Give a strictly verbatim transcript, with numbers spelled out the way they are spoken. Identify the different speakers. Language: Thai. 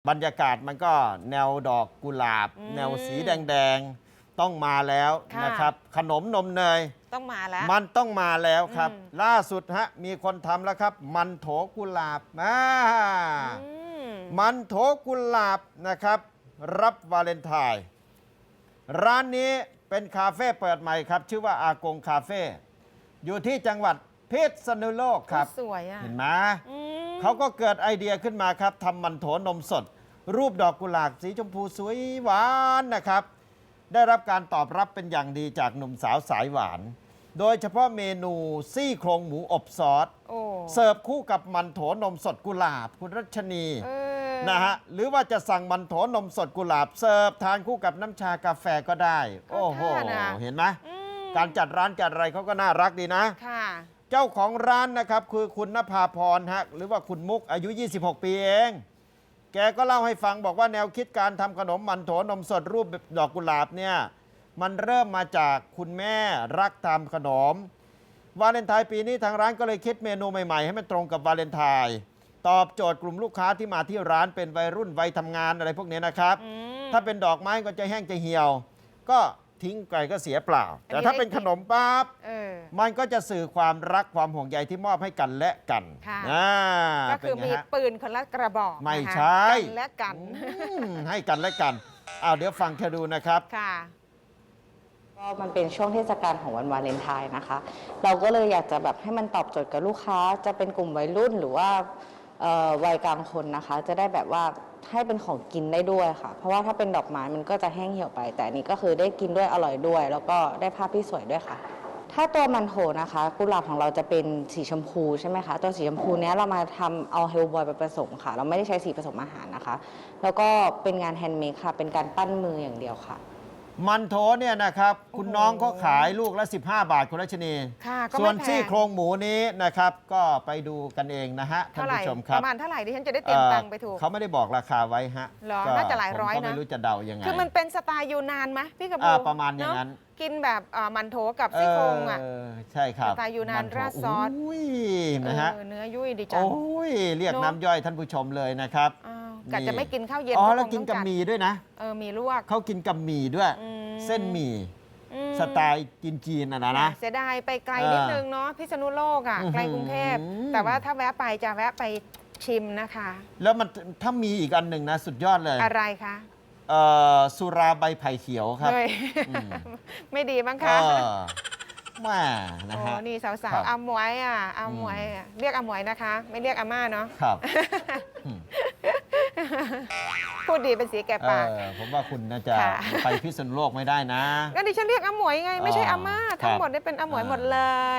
Speaker 1: บรรยากาศมันก็แนวดอกกุหลาบ แนวสีแดงๆต้องมาแล้วนะครับขนมนมเนย
Speaker 2: ต้องมาแล้ว
Speaker 1: มันต้องมาแล้วครับล่าสุดฮะมีคนทำแล้วครับมันโถกุหลาบมามันโถกุหลาบนะครับรับวาเลนไทน์ร้านนี้เป็นคาเฟ่เปิดใหม่ครับชื่อว่าอากงคาเฟ่อยู่ที่จังหวัดพิษณุโลกครับ
Speaker 2: สวยอ่ะ
Speaker 1: เห็นไหมเขาก็เกิดไอเดียขึ้นมาครับทำมันโถนมสดรูปดอกกุหลาบสีชมพูสวยหวานนะครับได้รับการตอบรับเป็นอย่างดีจากหนุ่มสาวสายหวานโดยเฉพาะเมนูซี่โครงหมูอบซอสเสิร์ฟคู่กับมันโถนมสดกุหลาบคุณรัชนีนะฮะหรือว่าจะสั่งมันโถนมสดกุหลาบเสิร์ฟทานคู่กับน้ำชากาแฟก็ได้โอ้โหเห็นไหมการจัดร้านจัดอะไรเขาก็น่ารักดีนะเจ้าของร้านนะครับคือคุณณภาพรฮะหรือว่าคุณมุกอายุยี่สิบหกปีเองแกก็เล่าให้ฟังบอกว่าแนวคิดการทำขนมมันโถนมสดรูปดอกกุหลาบเนี่ยมันเริ่มมาจากคุณแม่รักทำขนมวาเลนไทน์ปีนี้ทางร้านก็เลยคิดเมนูใหม่ๆให้มันตรงกับวาเลนไทน์ตอบโจทย์กลุ่มลูกค้าที่มาที่ร้านเป็นวัยรุ่นวัยทำงานอะไรพวกนี้นะครับถ้าเป็นดอกไม้ก็จะแห้งจะเหี่ยวก็ทิ้งไปก็เสียเปล่าแต่ถ้าเป็นขนมปั๊บมันก็จะสื่อความรักความห่วงใยที่มอบให้กันและกัน
Speaker 2: ก็คือมีปืนคนละกระบอก
Speaker 1: ไม่ใช่
Speaker 2: กันและกัน
Speaker 1: ให้กันและกันเอาเดี๋ยวฟังแค่ดูนะครับ
Speaker 3: ก็มันเป็นช่วงเทศกาลของวันวาเลนไทน์นะคะเราก็เลยอยากจะแบบให้มันตอบโจทย์กับลูกค้าจะเป็นกลุ่มวัยรุ่นหรือว่าวัยกลางคนนะคะจะได้แบบว่าให้เป็นของกินได้ด้วยค่ะเพราะว่าถ้าเป็นดอกไม้มันก็จะแห้งเหี่ยวไปแต่อันนี้ก็คือได้กินด้วยอร่อยด้วยแล้วก็ได้ภาพที่สวยด้วยค่ะถ้าตัวมันโถนะคะกุหลาบของเราจะเป็นสีชมพูใช่ไหมคะตัวสีชมพูนี้เรามาทำเอาเฮลบอยไปผสมค่ะเราไม่ได้ใช้สีผสมอาหารนะคะแล้วก็เป็นงานแฮนด์เมดค่ะเป็นการปั้นมืออย่างเดียวค่ะ
Speaker 1: มันโถเนี่ยนะครับคุณน้องเขาขายลูกละสิบห้าบาทคุณรัชนีส่วนซี่โครงหมูนี้นะครับก็ไปดูกันเองนะฮะท่านผู้ชมครับ
Speaker 2: ประมาณเท่าไหร่ดิฉันจะได้เตรียมตังค์ไปถูก
Speaker 1: เขาไม่ได้บอกราคาไว้ฮะ
Speaker 2: น่าจะหลายร้อยนะ
Speaker 1: ผมก็ไม่รู้จะเดายังไง
Speaker 2: คือมันเป็นสไตล์ยูนานไหมพี่กระพู
Speaker 1: ประมาณอย่างนั้น
Speaker 2: กินแบบมันโถกับซี่โครงอ่ะ
Speaker 1: ใช่ครับ
Speaker 2: สไตล์ยูนานราดซอส
Speaker 1: นะฮะ
Speaker 2: เนื้อยุ่ยดีจัง
Speaker 1: โอ้ยเรียกน้ำย่อยท่านผู้ชมเลยนะครับ
Speaker 2: กะจะไม่กินข้าวเย็น
Speaker 1: อ๋อแล้วกินกับหมี่ด้วยนะ
Speaker 2: เออมีลวก
Speaker 1: เขากินกับหมี่ด้วยเส้นหมี่สไตล์จีนๆนะนะ
Speaker 2: เสียดายไปไกลนิดนึงเนาะพิษณุโลกอ่ะไกลกรุงเทพแต่ว่าถ้าแวะไปจะแวะไปชิมนะคะ
Speaker 1: แล้วมันถ้ามีอีกอันหนึ่งนะสุดยอดเลย
Speaker 2: อะไรคะ
Speaker 1: สุราใบไผ่เขียวครับ
Speaker 2: ไม่ดีบ้างคะ
Speaker 1: แม่นะฮะ
Speaker 2: นี่สาวๆอาหมวยอ่ะอาหมวยเรียกอาหมวยนะคะไม่เรียกอาม่าเนาะ
Speaker 1: ครับ
Speaker 2: พูดดีเป็นสีแก่ปาก
Speaker 1: ผมว่าคุณน่าจะไปพิษณุโลกไม่ได้นะ
Speaker 2: ก็ดิฉันเรียกอาหมวยไงไม่ใช่อาม่าทั้งหมดได้เป็นอาหมวยหมดเลย